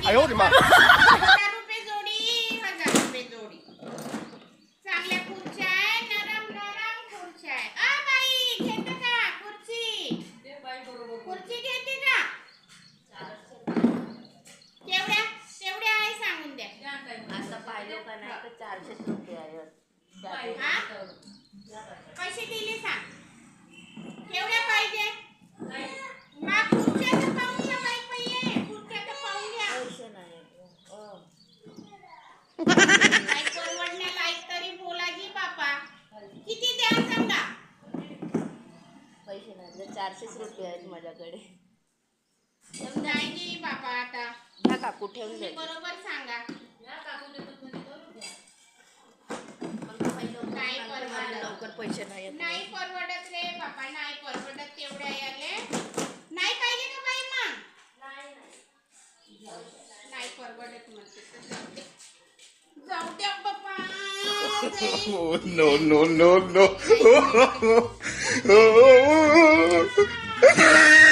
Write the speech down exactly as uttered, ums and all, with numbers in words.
哎呦我的妈！ हजार रुपये जोडी हजार रुपये जोडी चांगल्या खुर्च्या आहे नरम नरम खुर्च्या आहे अ बाई घेते का खुर्ची खुर्ची घेते का केवढ्या केवढ्या आहे सांगून द्या आता पाहिलं का नाही तर चारशे रुपये आहे हा पैसे दिले सांग केवढ्या पाहिजे मग खुर्च्या तर पाहून घ्या बाई पहिले खुर्च्या तर पाहून घ्या पैसे नाही अं. काय परवडण्या लायक तरी बोला जी बापा किती द्या सांगा पैसे नाही तर चारशेच रुपये आहेत माझ्याकडे नाही जी बापा आता हा काकू ठेवून तुम्ही दे बरोबर सांगा नाही परवडत लवकर पैसे नाही आहेत. नाही परवडत रे बापा नाही परवडत तेवढ्या याले नाही पाहिजे का बाई मग नाही परवडत म्हणते तर जाऊ दे. जाऊ द्या बापा Oh, no, no, no, no.